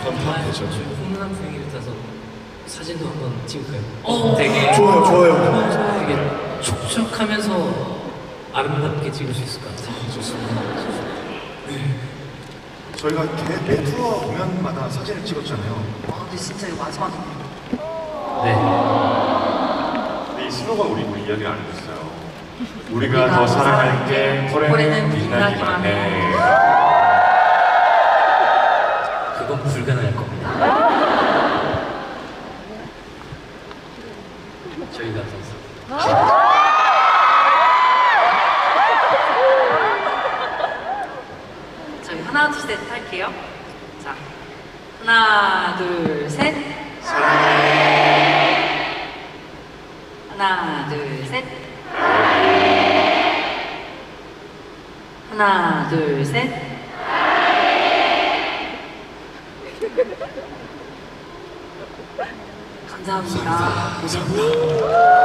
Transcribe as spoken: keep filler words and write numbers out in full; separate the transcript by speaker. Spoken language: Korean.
Speaker 1: 정말
Speaker 2: 되죠.
Speaker 1: 훈훈한 분위기를 타서 사진도 한번 찍을까요? 어, 되게
Speaker 2: 좋아요, 좋아요.
Speaker 1: 되게 촉촉하면서 아름답게 찍을 수 있을 것 같아요.
Speaker 2: 좋습니다. 저희가 개, 개 투어 공연마다 사진을 찍었잖아요.
Speaker 3: 아, 근데 진짜 이거 마지막에
Speaker 1: 네.
Speaker 4: 근데 이 스노가 우리 뭐 이야기를 안 해줬어요. 우리가 더 사랑할게 올해는 빛나기만 해.
Speaker 1: 그건 불가능할 겁니다. 저희가 더
Speaker 3: 저희 하나 둘 셋 할게요. 자, 하나 둘 셋. 사랑해. 하나 둘 셋. 하나 둘 셋. 감사합니다.
Speaker 2: 감사합니다.